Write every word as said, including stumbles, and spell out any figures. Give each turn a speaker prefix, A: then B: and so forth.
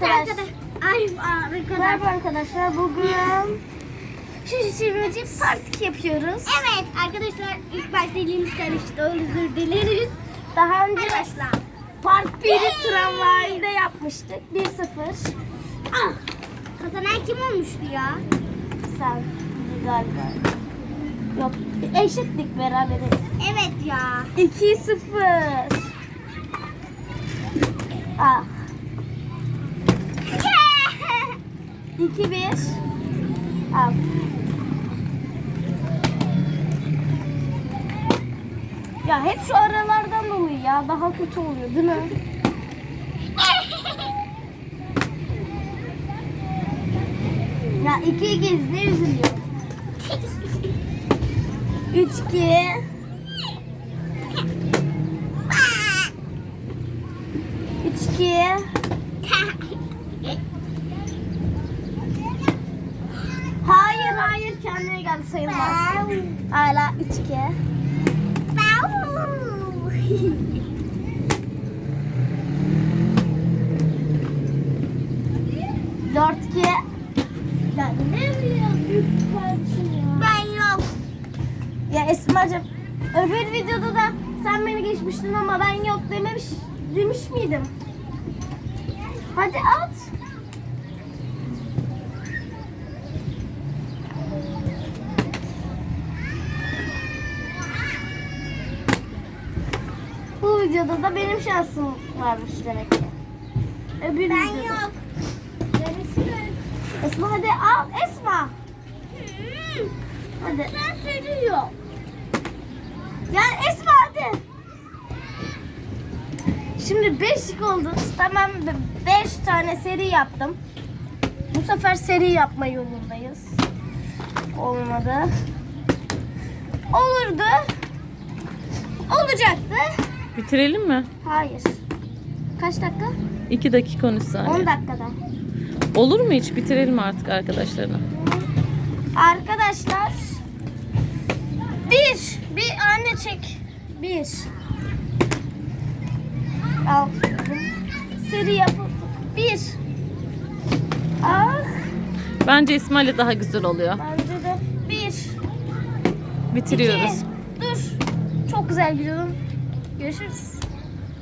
A: arkadaşlar. Ay arkadaşlar.
B: Merhaba arkadaşlar. Bugün şu çevirmeci part yapıyoruz.
A: Evet arkadaşlar ilk başta dilimiz karıştı. Özür dileriz.
B: Daha önce
A: Arkadaşlar.
B: part biri tramvayda yapmıştık. bir sıfır.
A: Ah, kazanan kim olmuştu ya?
B: Sen galiba. Yok. Eşitlik beraberiz.
A: Evet ya.
B: iki sıfır. Ah. iki bir. Al. Ya hep şu aralardan dolayı ya. Daha kötü oluyor değil mi? Ya iki ikiz ne üzülüyor? Üç iki. Üç iki. Hayır hayır kendine geldi sayılmaz. Hala üç iki. dört iki. Ya ne yapıyorsun kardeşim ya?
A: Ben yok.
B: Ya Esma'cığım öbür videoda da sen beni geçmiştin ama ben yok dememiş demiş miydim? Hadi at. Bu videoda da benim şansım varmış demek ki. Öbür
A: Ben
B: videoda.
A: yok. Görüşürüz.
B: Esma hadi al Esma.
A: Hmm,
B: Hadi.
A: Sen sürüyor.
B: Ya Esma hadi. Şimdi beşlik oldu. Tamam beş tane seri yaptım. Bu sefer seri yapma yolundayız. Olmadı. Olurdu. Olacaktı.
C: Bitirelim mi?
B: Hayır. Kaç dakika?
C: iki dakika on üç saniye.
B: on dakikada.
C: Olur mu hiç? Bitirelim artık arkadaşlarına.
B: Arkadaşlar. Bir. Bir anne çek. Bir. Al. Seri yapıp bir. Ah.
C: Bence İsmail'le daha güzel oluyor.
B: Bence de bir.
C: Bitiriyoruz.
B: İki. Dur. Çok güzel gidiyordum. Görüşürüz.